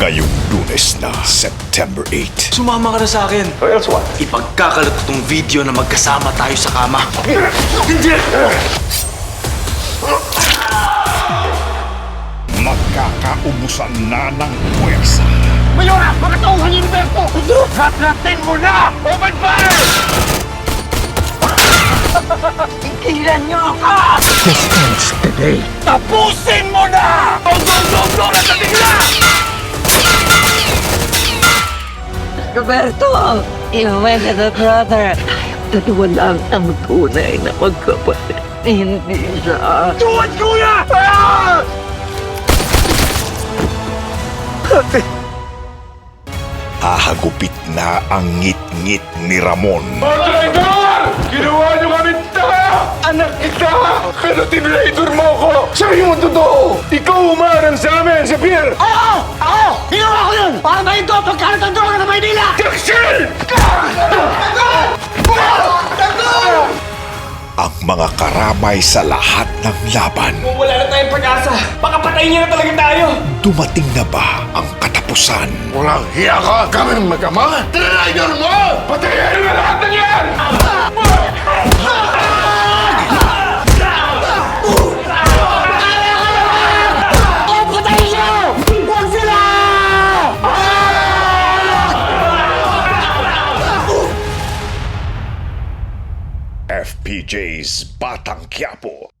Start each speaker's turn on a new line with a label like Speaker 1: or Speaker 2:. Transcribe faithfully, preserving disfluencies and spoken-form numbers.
Speaker 1: Ngayong Lunes na, September eighth.
Speaker 2: Sumama ka na sa akin.
Speaker 3: Or else what?
Speaker 2: Ipagkakalat ko tong video na magkasama tayo sa kama. Hindi!
Speaker 1: Magkakaubusan na ng puwersa.
Speaker 3: Mayora! Mga tauhan yung Berto! Hatratin mo na! Open fire! Ikilan niyo ako! This ends today. Tapusin mo na! Go, go, go, go! Nasa bigla!
Speaker 4: Roberto, you went to the brother. Dalawa lang ang tunay na magkapatid. Hindi siya.
Speaker 3: Tuwan, kuya! Ah!
Speaker 1: Hahagupit na ang ngit-ngit ni Ramon.
Speaker 3: Mga traidor! Ginawa niyo kami tanga! Anak kita! Pero tinraidor mo ako! Sabi mo totoo! Ikaw umarang sa amin sa pier!
Speaker 5: Oo! Ako! Ginawa ko yun! Para ba ito pagkalat ang droga ng Maynila?
Speaker 3: Jackson!
Speaker 1: Ang mga karamay sa lahat ng laban.
Speaker 2: Kung wala na tayong pag-asa, baka patayin niya na talaga tayo.
Speaker 1: Dumating na ba ang katapusan?
Speaker 3: Walang hiya ka! Kami ng magama! Tinraidor mo! Patayin mo lahat ng yan!
Speaker 5: O, patayin siya! Huwag sila!
Speaker 1: F P J's Batang Quiapo.